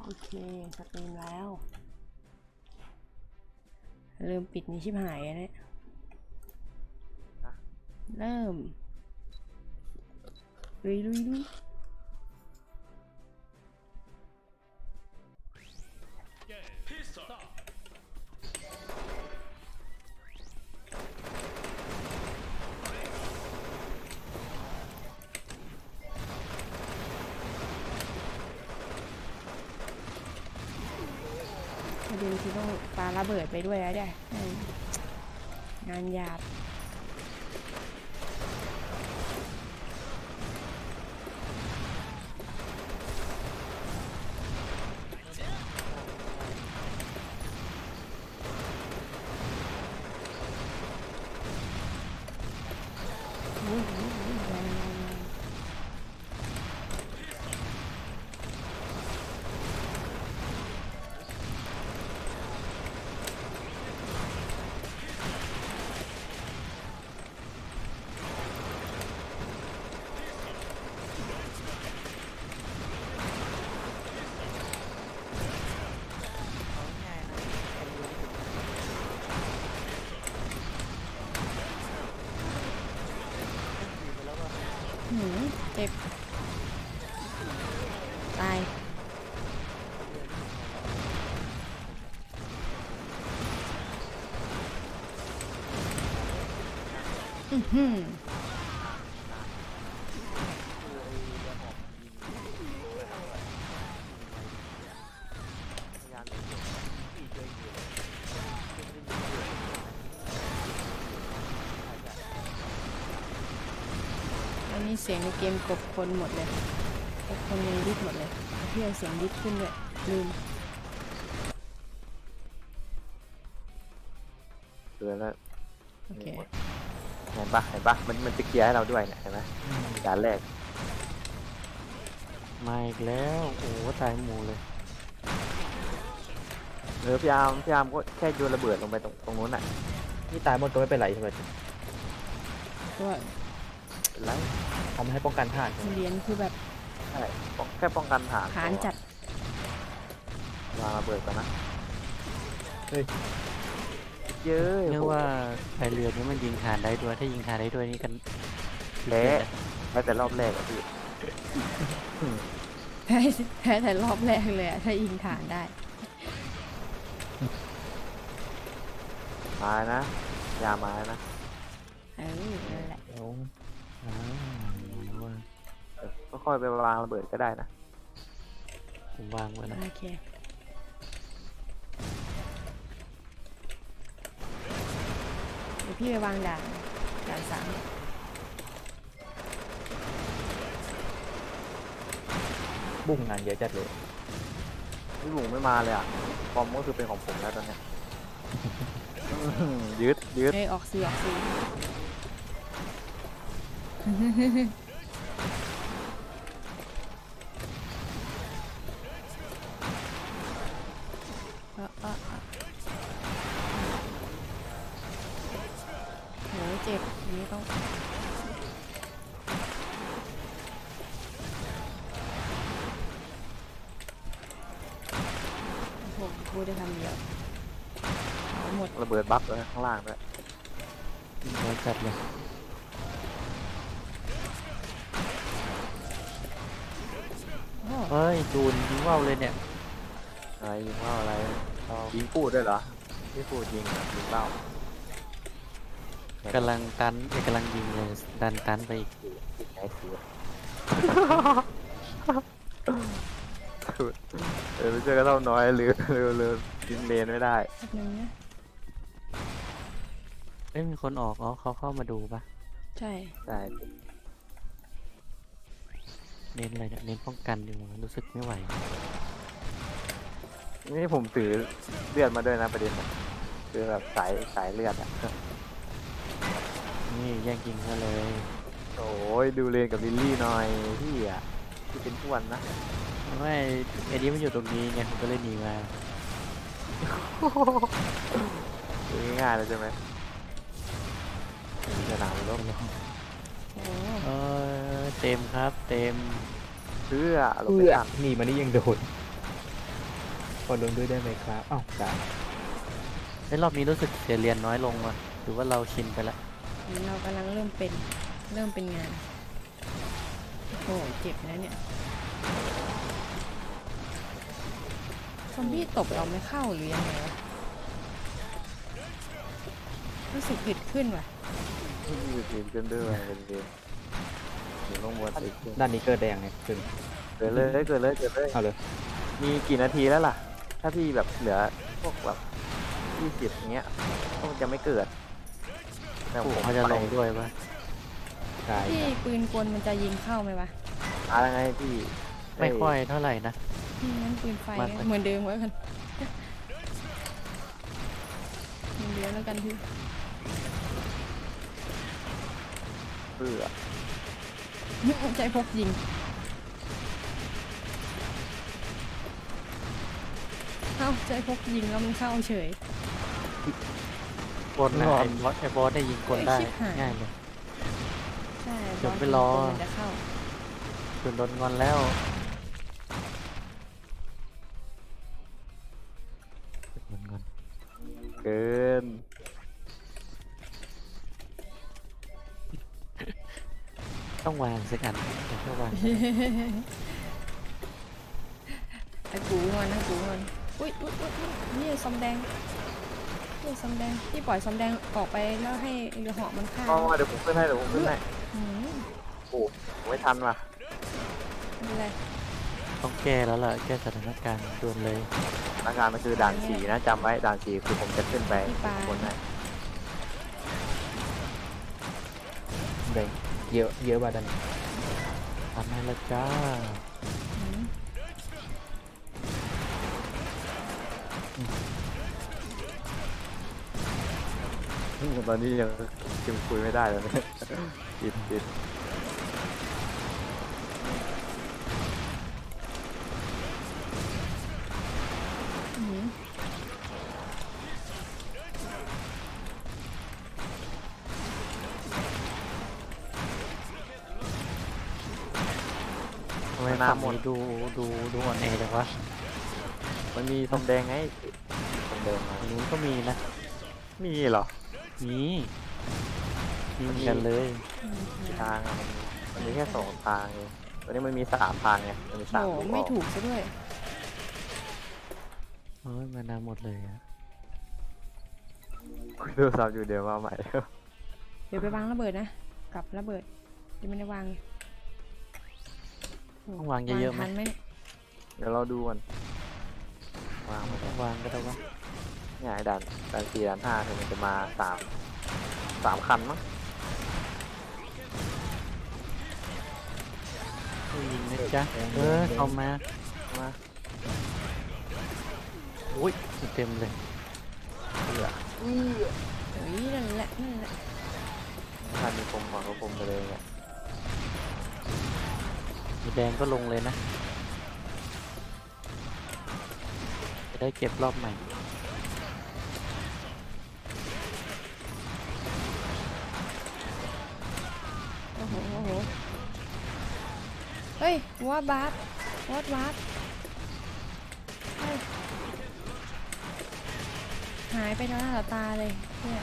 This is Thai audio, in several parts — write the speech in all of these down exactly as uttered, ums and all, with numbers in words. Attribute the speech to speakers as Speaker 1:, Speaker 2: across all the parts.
Speaker 1: โอเคสตรีมแล้วลืมปิดนี้ชิบหายอะเนี่ยเริ่มลุยลุยลุยประเด็นคือต้องปาระเบิดไปด้วยแล้วเนี่ยงานหยาบเจ็บตายอือหืออันนี้เสียงในเกมกบคนหมดเลยกบคนในดิสหมดเลยเพื่อเสียงดิสขึ้นด้วยลืม
Speaker 2: เกินแล้ว
Speaker 1: โอเค
Speaker 2: เห็นปะเห็นปะมันมันจะเคลียร์ให้เราด้วยเนี่ยเห็นไหมด่านแรก
Speaker 3: มาอีกแล้วโอ้ตายหมูเลย
Speaker 2: เออพี่อาร์มพี่อาร์มก็แค่โยนระเบิดลงไปตรงตรงนู้นอ่ะ
Speaker 3: นี่ตายหมดก็ไม่เป็นไรใช่ไหม
Speaker 1: ก็
Speaker 2: เป็นไร
Speaker 3: ทำให้ป้องกันผ่าน
Speaker 1: เหรียญคือแบบ
Speaker 2: ใช่แค่ป้องกันฐาน
Speaker 1: ฐานจัด
Speaker 2: วางระเบิดก่อนนะ
Speaker 3: เฮ้ย
Speaker 2: เยอะ
Speaker 3: เนื่อว่าไอเรือนี้มันยิงฐานได้ด้วยถ้ายิงฐานได้ด้วยนี่กัน
Speaker 2: แพ้แพ้แต่รอบแรกอะพี่
Speaker 1: แพ้แพ้แต่รอบแรกเลยอะถ้ายิงฐานได้
Speaker 2: มานะยามานะ
Speaker 1: เออนั่นแหละ
Speaker 2: ก็ค่อยไปวางระเบิดก็ได้นะ
Speaker 3: ผมวางไว้นะ
Speaker 1: โอเคเดี๋ยวพี่ไปวางด่านด่านสาม
Speaker 3: บุ้งงานเยอะจัดเลย
Speaker 2: พี่บุ๋งไม่มาเลยอ่ะฟอร์มก็คือเป็นของผมแล้วตอนนี้ยืดยืด
Speaker 1: เอ้ยออกซีออกซีโหเจ็บอันนี้ต้องผมพูดได้คำเดียวหมด
Speaker 2: ระเบิดบัฟเลยข้างล่างด้วย
Speaker 3: เยอะจัดเลยเฮ้ยจูนยิงว่าวเลยเนี่ย
Speaker 2: อะไรยิงว่าวอะไรยิงพูดด้วยเหรอที่พูดยิงยิงเป้าก
Speaker 3: ำลังตันกำลังยิงเลยดันตันไปอีก
Speaker 2: ไหนเสือเออไม่เจอก็เท่าน้อยหรือเร็วเร็วยิงเลนไม่ได้
Speaker 3: เอ้ยมีคนออกอ๋อเขาเข้ามาดูปะ
Speaker 1: ใช่
Speaker 2: ใช่
Speaker 3: เน้นอะไรเนี่ยเน้นป้องกันอยู่รู้สึกไม่ไหว
Speaker 2: นี่ผมถือเลือดมาด้วยนะประเด็นคือแบบสายสายเลือดอ่ะ
Speaker 3: นี่แย่งกินกันเลย
Speaker 2: โอ้ยดูเลนกับลิลลี่หน่อยพี่อ่ะที่เป็นทุกวันนะ
Speaker 3: ไม่ไอ้นี้มันอยู่ตรงนี้ไงผมก็เลยหนีมา
Speaker 2: ง่ายๆเลยใช่ไหมสนามรบ
Speaker 3: เออเต็มครับเต็ม
Speaker 2: เพื่อ
Speaker 3: เพื่อหนีมานี่ยังโดนขอลงด้วยได้ไหมครับอ้าวได้
Speaker 4: ในรอบนี้รู้สึกเสียเรียนน้อยลงว่ะหรือว่าเราชินไปแล้ว
Speaker 1: เรากำลังเริ่มเป็นเริ่มเป็นงานโอ้โหเจ็บนะเนี่ยซอมบี้ตบเราไม่เข้าหรือยังไงวะรู้สึกอึดขึ้นว่ะ
Speaker 2: มีทีมขึ้นด้วยเป็นเกมอยู่ลงบนอีก
Speaker 3: ด้านนี้เกิดแดงเนี่ยขึ้น
Speaker 2: เกิดเลยเกิดเลยเกิดเลย
Speaker 3: เอาเลย
Speaker 2: มีกี่นาทีแล้วล่ะ ถ้าพี่แบบเหลือพวกแบบยี่สิบอย่างเงี้ยก็จะไม่เกิดแต่
Speaker 4: ปู่
Speaker 2: ผม
Speaker 4: เขาจะลงด้วยปะ
Speaker 3: ได้
Speaker 1: พี่ปืนกลมันจะยิงเข้าไหมวะ
Speaker 2: อะไรไงพี่
Speaker 4: ไม่ค่อยเท่าไหร่นะ
Speaker 1: อืมงั้นปืนไฟ
Speaker 4: มากไหม
Speaker 1: เหมือนเดิมไว้กันเหมือนเดิมแล้วกันพี่
Speaker 2: เบื่อ
Speaker 1: ใจพกยิงเอ้าใจพกยิงแล้วมันเข้าเฉย
Speaker 4: บนนะไอ้บอสไอ้บอสได้ยิงคนได้
Speaker 1: เอ้ยชิบหาย
Speaker 4: ง่ายเลย
Speaker 1: ใช่
Speaker 4: เดี๋ยว
Speaker 1: บอล
Speaker 4: ไปรอ
Speaker 1: ปืนกลมันจะเข้า
Speaker 4: คุณโดนงอนแล้วโดนงอน
Speaker 2: เกิน
Speaker 4: ต้องวางสักอันเดี๋ยวก็วาง
Speaker 1: ไอ้กูงอนนะกูงอนอุ้ยอุ้ยอุ้ยอุ๊ยนี่ซอมแดงนี่ซอมแดงพี่ปล่อยซอมแดงออกไปแล้วให้เรือเหาะมันฆ่า
Speaker 2: อ๋อเดี๋ยวผมขึ้นให้เดี๋ยวผมขึ้นให้
Speaker 1: อืม
Speaker 2: โอ้ผมไม่ทันว่ะ
Speaker 1: ไม่เป็นไร
Speaker 4: ต้องแก้แล้วล่ะแก้สถานการณ์ด่วนเลย
Speaker 2: อาการมันคือด่านสี่นะจำไว้ด่านสี่คือผมจะขึ้นไปบนให้
Speaker 3: แดงเยอะเยอะกว่าด้านนี้
Speaker 4: ทำให้และจ้า
Speaker 1: อืม
Speaker 2: ตอนนี้ยังคิมคุยไม่ได้เลยเนี่ยติดติด
Speaker 1: อืม
Speaker 4: ทำไมฝั่งนี้ดูดูดูอ่อนแอจังวะ
Speaker 2: มันมีทองแดงไงทองแดงมา
Speaker 4: ฝั่งนู้นก็มีนะ
Speaker 2: มีเหรอ
Speaker 4: มีมีเหมือนกันเลย
Speaker 1: อืม
Speaker 2: ทางอะมันมันมีแค่สองทางเองวันนี้มันมีสามทางไงมันมีสาม
Speaker 1: โอ้
Speaker 2: ลูก
Speaker 1: ไม่
Speaker 2: ออก
Speaker 1: ถูกซะด้วย
Speaker 4: เฮ้ยมานาหมดเลยอะ
Speaker 2: คุยโทรศัพท์อยู่เดี๋ยวมาใหม่
Speaker 1: เดี๋ยวไปวางระเบิดนะกลับระเบิดยังไม่ได้วางเลยโ
Speaker 4: ต้องวางเยอะๆไหม
Speaker 1: ทันไหมเนี่ย
Speaker 2: เดี๋ยวเราดูกันวางมา
Speaker 4: ต้องวางก็ได้วะ
Speaker 2: เนี่ยไอ้ด่านด่านสี่ด่านห้าคือมันจะมาสามสามคันมั้ง
Speaker 4: ผู้ยิงนะจ๊ะเออเอามา
Speaker 2: มา
Speaker 4: อุ้ยเต็มเลย
Speaker 2: เพื่อ
Speaker 1: เฮ้ยนั่นแหละนั่นแหละ
Speaker 2: คันมีคมก่อนก็คมไปเลยเนี่ย
Speaker 4: มีแดงก็ลงเลยนะจะได้เก็บรอบใหม่
Speaker 1: โอ้โหโอ้โหเฮ้ยว่าบาสวัดบาสเฮ้ยหายไปต่อหน้าต่อตาเลยเนี่ย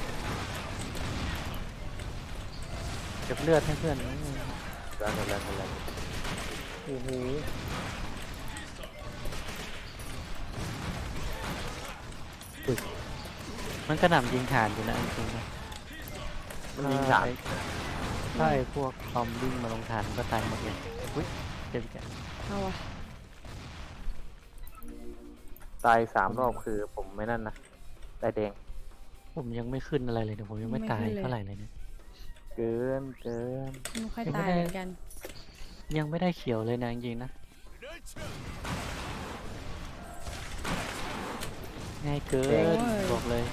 Speaker 4: เก็บเลือดให้เพื่อน
Speaker 2: แล้วแล้วแล้วแล้ว
Speaker 4: โอ้โหอุ๊ยมันกระหน่ำยิงฐานอยู่นะจริงๆนะ
Speaker 2: มันยิงสาม
Speaker 4: ใช่พวกคอมวิ่งมาลงฐานมันก็ตายหมดเลยอุ้ยเจ็บแก
Speaker 1: เอาอะ
Speaker 2: ตายสามรอบคือผมไม่นั่นนะตายแดง
Speaker 4: ผมยังไม่ขึ้นอะไรเลยเนี่ยผมยังไม่ตายเท่าไหร่เลยเนี่ย
Speaker 2: เกินเกิน
Speaker 1: ไม่ค่อย
Speaker 4: ยังไม่
Speaker 1: ตาย
Speaker 4: ได้
Speaker 1: เหมือนกัน
Speaker 4: ยังไม่ได้เขียวเลยนะจริงๆนะง่ายเกินบอกเลย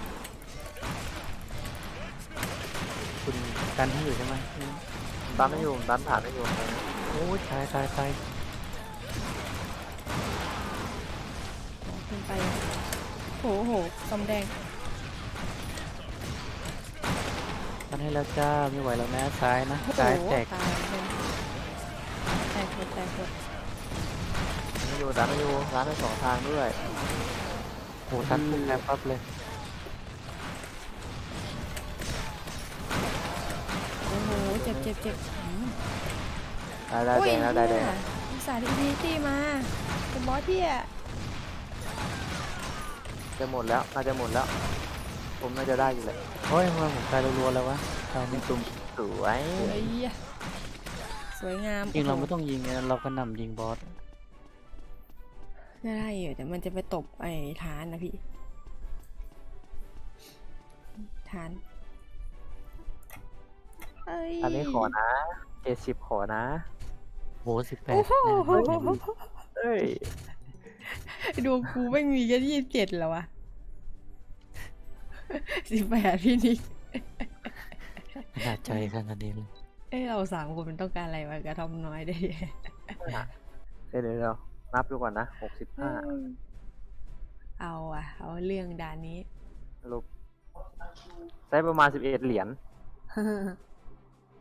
Speaker 4: คุณกันให้อยู่ใช่ไหม
Speaker 2: ตันไม่อยู่ตันผ่านไม่อยู่
Speaker 4: โอ้ยตายตายตาย
Speaker 1: ขึ้นไปโหโหซอมแดง
Speaker 4: กันให้แล้วจ้าไม่ไหวแล้วนะซ้ายนะ
Speaker 1: โอ้โห
Speaker 4: ซ้ายแตก
Speaker 1: ตายเลยแตกหมดแตกหมด
Speaker 4: น
Speaker 2: ไม่อยู่ดันไม่อยู่ร้านได้สองทางด้วย
Speaker 4: โอ้ทันปุ๊บแอบปั๊บเลย
Speaker 1: โอ้โหเจ็บเจ็บเจ็บอืม
Speaker 2: ได้ได้
Speaker 1: อุ้
Speaker 2: แด
Speaker 1: ย
Speaker 2: งแล้วได้แดง
Speaker 1: เนี่ยอุตส่าห์ดีดีตี้มาเป็นบอสพี่อะ
Speaker 2: จะหมดแล้วน่าจะหมดแล้ว ผมน่าจะได้อยู่แหละ
Speaker 4: โอ้ยทำไมผมตายรัวๆแล้ววะตายไม่
Speaker 2: ตุ้มสวย
Speaker 1: สวยอะสวยงาม
Speaker 4: จริงเรา
Speaker 1: โอ้
Speaker 4: ไม่
Speaker 1: โห
Speaker 4: ต้องยิงไงเราก็นำยิงบอส
Speaker 1: ได้อยู่แต่มันจะไปตบไอ้ฐานนะพี่ฐานเอ้ย
Speaker 2: อันนี้ขอนะเจ็ดสิบขอนะ
Speaker 4: โหสิบแปด
Speaker 1: โอ้โห
Speaker 2: เอ้ย
Speaker 1: ดวงกูไม่มีแค่ยี่สิบเจ็ดแล้ววะสิบแปดพี่นิก
Speaker 4: ขนาดใจขนาดนี้เลย
Speaker 1: เอ้ยเราสามคนมันต้องการอะไรวะกระทอมน้อยได้
Speaker 2: เดี๋ยวเดี๋ยวเดี๋ยวนับดูก่อนนะหกสิบห้า
Speaker 1: เอาอะเอาเรื่องด่านนี้
Speaker 2: ลบใช้ประมาณสิบเอ็ดเหรียญ